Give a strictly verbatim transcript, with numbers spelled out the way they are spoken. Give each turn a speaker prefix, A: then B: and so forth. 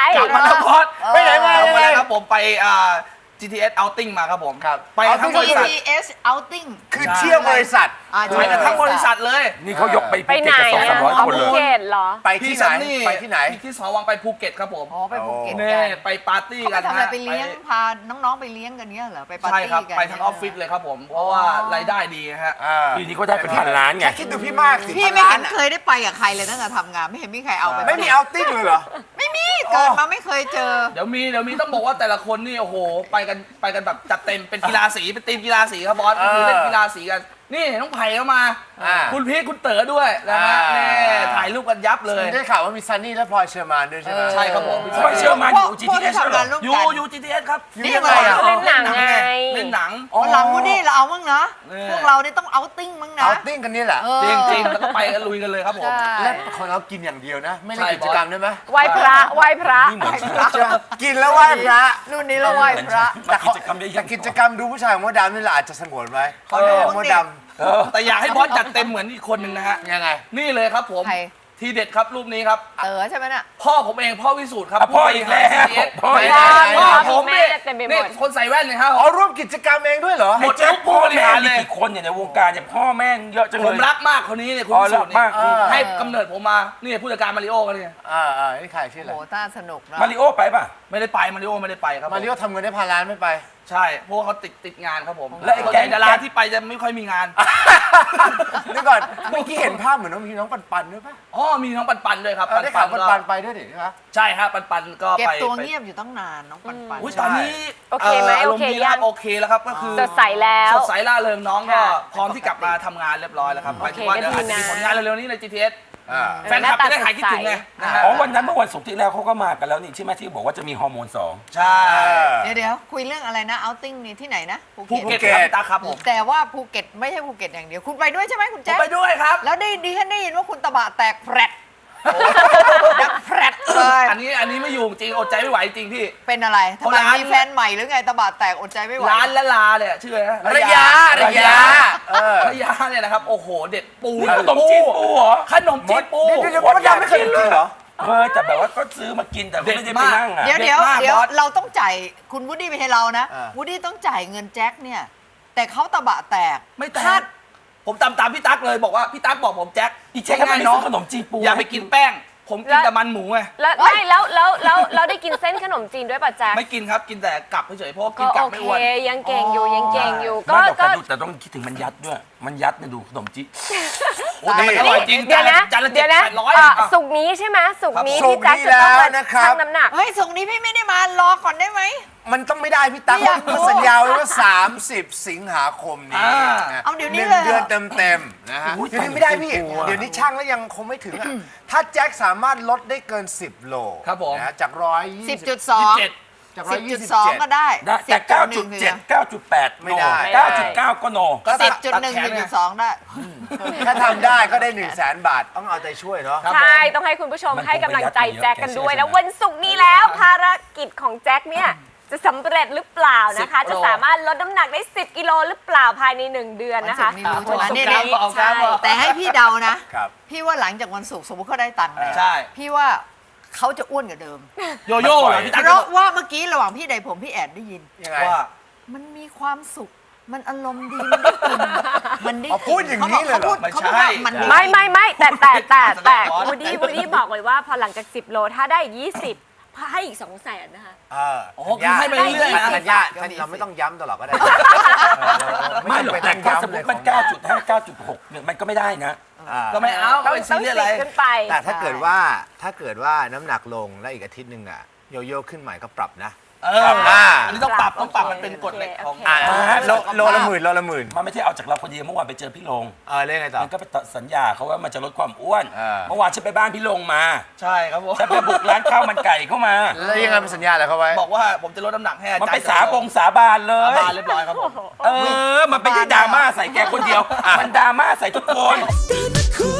A: กลับมาแล้วบอส
B: ไปไหนมา
A: เอา
B: ยัง
A: มา
B: ไง
A: แล้วครับผมไปอ่า จี ที เอส outing มาครับผม
B: ครับ
A: ไปทั้งบริษัท
C: จี ที เอส outing
B: คือเที่ยวบริษัท
C: อ่า
A: ไปกันทั้งบริษัทเลย
D: นี่เขายกไป
E: ไปไหน
D: ภูเก็ตกับสอง
E: อ่ะ
D: สามร้อยคน
E: ภู
D: เลย
E: เก็ตเหรอ
B: ไปที่ไหน
A: ซันี่
B: ไปที่ไหน
A: ที่สวังไปภูเก็ตครับผม
C: อ๋อไปภูเก็ต
A: เนี่
C: กัน
A: ไปปาร์ตี้
C: เขา
A: กั
C: ไป
A: น
C: ทำอะไร
A: ฮะ
C: ไปเลี้ยงพาน้องๆไปเลี้ยงกันเนี้ยเหรอไปปาร์
A: ใช่
C: ตี้
A: ครับ
C: กัน
A: ไปทั้งออฟฟิศเลยครับผมเพราะว่ารายได้ดีฮะ
B: อ่า
D: ปีนี้ก็ได้เป็นพันล้านไง
B: แค่คิดดูพี่มากสิ
C: พี่ไม่
B: พัน
C: เห็น
B: ล้า
C: เคยได้ไปกับใครเลยตั้งแต่ทำงานไม่เห็นมีใครเอาไป
B: ไม่มีเอาติ้งเลยเหรอ
C: ไม่มีเกิดมาไม่เคยเจอ
A: เดี๋ยวมีเดี๋ยวมีต้องบอกว่าแต่ละคนนี่โอ้โหไปกันไปกันแบบจัดเต็มเป็นกีฬาสีเป็นทีมกีฬาสีครับบอส
B: เออ
A: คือเล่นกีฬาสีกันนี่น้องไผ่เข้ามา
B: อ่า
A: คุณพีทคุณเต๋อด้วยนะฮะ
B: อ่า
A: นี่ถ่ายรูปกันยับเลย
B: ได้ข่าวว่ามีซันนี่และพลอยเชอร์มานด้วยใช่ไหม
A: ใช่ครับผม
D: พลอยเชอร์มาน
C: พวก
D: อยู่
C: พวกที่
D: จี ที เอส
C: ทำงานร่วม
A: ยู
C: กัน
A: ยูจีทีเอสครับ
C: นี่
B: ยัง
C: ไง
B: ไงอ่ะ
E: เล่นหนังไง
A: เล่นหนัง
C: วันหลังวันนี้เราเอามั้งนะ
A: เนี่ย
C: พวกเรานี่ต้องเอาติ้งมั้งนะ
B: เอาติ้งกันนี่แหละ
C: เออ
A: จริงๆแล้วก็ไปกันลุยกันเลยครับผม
C: ใช่
B: และของเรากินอย่างเดียวนะ ไม่ได้กิจกรรมได้ไหม
E: ไหว้พระไหว้พระ
D: นี่เหมือน
B: ใช่ไหมกินแล้วไหว้พระ
C: รุ่นนี้เราไหว้พระ
D: แต่กิจกรรมเยอะ
B: แต่
D: แยะ
B: กิจกรรมดูผู้ชายของมดดำนี่แหละอาจจะสงวนไว้
C: ขอดู
B: ม
C: บ้าง
B: ด
C: ดิ
B: ด
D: เออ
A: แต่อยากให้บอสจัดเต็มเหมือนอีกคนหนึ่งนะฮะ
B: ำยังไง
A: นี่เลยครับผม
C: ใคร
A: ทีเด็ดครับรูปนี้ครับ
C: เต๋อใช่ไหมน่ะ
A: พ่อผมเองพ่อวิสูตรครับ
D: อ่ะพ่ออีกแล้ว
A: ผู้บริหาร
D: พ่ออีก
A: จี
D: แล้ว
A: ทีเอสพ่อผม
E: แม่
A: นี่
E: เต็มไปหมด
A: นี่คนใส่แว่นเลยครับ
B: อ๋อร่วมกิจกรรมเองด้วยเหรอ
A: หมด
D: แจ็ค
A: ผู้
D: พ่อบ
A: ริ
D: แม่
A: หาร
D: มี
A: เลย
D: กี่คนเนี่ยในวงการเนี่ยพ่อแม่เยอะจัง
A: ผ
D: เล
A: ม
D: ย
A: รักมากคนนี้เนี่ยคุณ
D: อ๋อ
A: วิสูตร
D: รักมาก
A: นี่ให้กำเนิดผมมานี่ผู้จัดการมาริโอกันเนี่ย
B: อ่าอ่านี่ใครชื่ออะไร
C: โหน่าสนุกนะ
D: มาริโอไปป่ะ
A: ไม่ได้ไปมาริโอไม่ได้ไปครับผ
B: มาริโอทำเงินได้พันล้านไม่ไป
A: ใช่เพราะว่าเขาติดติดงานครับผม
D: แล้วไอ้
A: ส่วน
D: แก๊
A: ใหญ่
D: ง
A: ดาราที่ไปจะไม่ค่อยมีงาน
B: นี่ก่อนเมื่อกี้เห็นภาพเหมือนน้องมีน้องปันปันด้วยป่ะ
A: อ๋อมีน้องปันปันด้วยครับ
B: เออได้ข่าวปัน
A: ก็
B: ปันไปด้วยดิใช่ไหม
A: ใช่ฮะปันปันก็
C: เก็บ
A: ไป
C: ตัว
A: ไป
C: เงียบอยู่ตั้งนานน้องปันปัน
A: อุ้ยตอนนี้
E: โอเคไหม
A: อารมณ์
E: โอเค
A: ดีแล้วครับ
E: ยัง
A: โอเคแล้วครับก็คือ
E: สดใสแล้ว
A: สดใสล่าเริงน้องก็
E: ค่ะ
A: พร้อมที่กลับมาทำงานเรียบร้อยแล้วครับหมายถึงว่า
E: โอเค
A: เดี๋ยวอาจจะมี
E: ก็ดีนะ
A: ผลงานเร็วๆนี้ใน จี ที เอส
B: อ่า
A: แฟนคลับจะได้หายคิดถึงไงนะฮะ
D: อ๋อวันนั้นเมื่อวันศุกร์ที่แล้วเขาก็มากันแล้วนี่ใช่ไหมที่บอกว่าจะมีฮอร์โมนสอง
A: ใช่
C: เดี๋ยวเดี๋ยวคุยเรื่องอะไรนะ outing นี่ที่ไหนนะ
A: ภูเก็ตครับพี่ตาครับผม
C: แต่ว่าภูเก็ตไม่ใช่ภูเก็ตอย่างเดียว คุณไปด้วยใช่ไหมคุณ
A: ผม
C: แจ๊ค
A: ไปด้วยครับ
C: แล้วได้ดีฉันได้ยินว่าคุณตะบะแตกแผลดดังแผลดเลย
A: อันนี้อันนี้ไม่อยู่จริงอดใจไม่ไหวจริงพี่
C: เป็นอะไรทำไม
A: ร้าน
C: มีแฟนใหม่หรือไงตะบะแตกอดใจไม่ไหว
A: ร้านละลาเนี่ยชื่ออะไรนะ
B: ระยะระยะเออ
A: ระยะเนี่ยนะครับโอ้โหเด็ดปู
D: ขนมจีนปูเหรอ
A: ขนมจีนปู
B: เดี๋ยวเดี๋ยวมดดำไม่เคยกินเหรอ
D: เคยแต่แบบว่าก็ซื้อมากินแต่ก็ไม่ได้ไปนั่งอ่ะ
C: เดี๋ยว
A: เด็ด
C: เดี๋ยว
A: มาก
C: เดี๋ยว
A: บอส
C: เราต้องจ่ายคุณวูดดี้ไม่ใช่เรานะ
B: อ่า
C: วูดดี้ต้องจ่ายเงินแจ็คเนี่ย แต่เขาตะบะแตก
A: ไม่แต
C: คาด
A: กผมตามตามพี่ตั๊กเลยบอกว่าพี่ตั๊กบอกผมแจ็ค
D: อีแจ็คก็ไม่ได้ซื้อขนมจีนปู
A: อย่าไปกินแป้ง ผมกินแต่มันหมูไง
E: แล้วไม่แล้วแล้วแล้วเราได้กินเส้นขนมจีนด้วยป่ะแจ๊ค
A: ไม่กินครับกินแต่กลับเฉยๆเพราะว่ากิ
E: ก็
A: นกลับ
E: โอ
A: ไม่
E: เค
A: อ้วน
E: ยังเก่งอยู่ยังเก่งอยู่
D: ก็
E: ก็
D: ก็
E: ก็
D: ดูแต่ต้องคิดถึงมันยัดด้วย มันยัดเนี่ยดูขนมจีน
A: โอ้แต่มันอร่อยจริง
E: เดี๋ยวนะ
A: จานละ
E: เดี๋
A: เจ็
E: ย
A: ด
E: วนะ
A: แปดร้อย
E: เอ่อ
A: อ่ะ
E: สุกร์นี้ใช่ไหมสุกร์นี้
B: ครับ
E: ที่แจ็คจะต้องมา
B: สุกร์นี้แล้วนะครับ
E: ชั่งน้ำหนัก
C: เฮ้ยส่งนี้พี่ไม่ได้มารอก่อนได้ไหม
B: มันต้องไม่ได้พี่ตั๊ก
C: ไม่อยากรู้
B: มันสัญญาไว้ว่า สามสิบ สิงหาคมนี้
A: อ่า
B: นะ
C: เอาเดี๋ยวนี้
B: หนึ่ง
C: เลยเหรอ
B: เดือนเต็มๆนะฮะ
D: อุ๊ย
B: เดี๋ยวนี้ไม่ได้พี่
D: ตายแล้วกลัว
B: เดี๋ยวนี้ช่างแล้วยังคงไม่ถึงอ่ะถ้าแจ็คสามารถลดได้เกิน สิบ โล
A: ครับผม
B: นะฮะจากร้อยยี่
C: สิ
B: สิ
C: บบ จุดสอง
A: เจ็ด
B: จากร้อย
C: สิบ
B: ยี่
C: จุด
B: สิบ
C: สอง
B: เจ็ด
C: ก็ได้
D: ได้แต่
C: สิบ
D: เก้า
C: ห
D: จุ
C: นึ่
D: ด
C: ง
D: เจ็ด เก้าจุดแปด
B: ไม่ได้
D: เก้าจุดเก้าก็โน
A: ก็
C: สิบ
A: ตัด
C: จุดหนึ่ง
A: แข
C: จุด
A: ไง
C: สองได้
B: ถ้าทำได้ก็ได้ หนึ่งแสน บาท ต้องเอาใจช่วยเนาะ
A: ครับ
E: ใช่
A: ผม
E: ต้องให้คุณผู้ชม
D: มันคง
E: ให้กำลังใจ
D: ไปยัด
E: แจ็คกันด้วย
D: เยอะ
E: แล้ว
D: แกเชื่อ
E: วันศุกร์นี้แล้วภารกิจของแจ็คเนี่ยจะสำเร็จหรือเปล่านะคะ
A: สิบ
E: จะสามารถลดน้ำหนักได้ สิบ กิโลหรือเปล่าภายในหนึ่งเดือนนะคะ
C: วันศุกร์นี้รู้ใช่ไหม
E: วันศุกร์
C: นี่
E: นี้
A: เอาครับ
E: ใช่
A: เอา
C: แต่ให้พี่เดานะ
B: ครับ
C: พี่ว่าหลังจากวันศุกร์สมมติเขาได้ตังค์แล้ว
A: ใช่
C: พี่ว่าเขาจะอ้วนกว่าเดิม
A: โยโย่เหรอพี่ตั๊ก
C: เพราะว่าเมื่อกี้ระหว่างพี่ใดผมพี่แอดได้ยิน
B: ยังไง
A: ว่า
C: มันมีความสุข มันอารมณ์ดี มันได้กิน มันได้
B: อ๋อพูดอย่างนี้เลยเหรอ
C: ขาพูด
A: ไม่
C: เขา
A: ใช่
C: พูดว่ามันด้
E: ไม่ไม่ไม่แต่แต่แต่แต่
A: บอส
E: วูดดี้วูดดี้บอกเลยว่าพอหลังจาก สิบ โลถ้าได้ ยี่สิบให้อีก สองแสนนะคะ
B: เออ
A: โอ้คือให้ไปเรื่อยๆนะ
B: ธัญญาธัญญาเราไม่ต้องย้ำตลอดก็ได้
D: ไม่หรอกแต่ถ้าสมมติมัน
B: ก้า
D: เก้าจุดห้า เก้าจุดหกเนี่ยมันก็ไม่ได้นะ
A: ก็ไม่เอา
E: ต้อง
A: เป็น
E: ต้
A: ซี
E: อง
A: เรียส
E: สิ
A: อะไร
E: บขึ้นไป
B: แต่ถ้าเกิดว่าถ้าเกิดว่าน้ำหนักลงแล้วอีกอาทิตย์หนึ่งอะโยโย่ขึ้นใหม่ก็ปรับนะ
A: เออ
B: อ่า
A: อันนี้ต้องปรับต้องปรับมันเป็นกฎเหล็กของ
E: โอเค
B: อ่า
D: โล
B: โลโลละหมื่นโลละหมื่น
D: มันไม่ใช่เอาจากเราคนเดียวเมื่อวานไปเจอพี่ลง
B: เออเรื่องไงต่อ
D: มันก็ไปสัญญาเขาว่ามันจะลดความอ้วน
B: เออ
D: เมื่อวานฉันไปบ้านพี่ลงมา
A: ใช่ครับผม
D: ฉันไปบุกร้านข้าวมันไก่เข้ามา
B: แล้วยังไงเป็นสัญญาอะไรเขาไว้
A: บอกว่าผมจะลดน้ำหนักให้อา
D: มัน
A: จารย์
D: ไปสาบงสาบานเล
A: สาย บานเรียบร้อยครับผม
D: เออ มันไม่ได้ดราม่าใส่แกคนเดียว มันดราม่าใส่ทุกคน
F: ตื่นมาคุย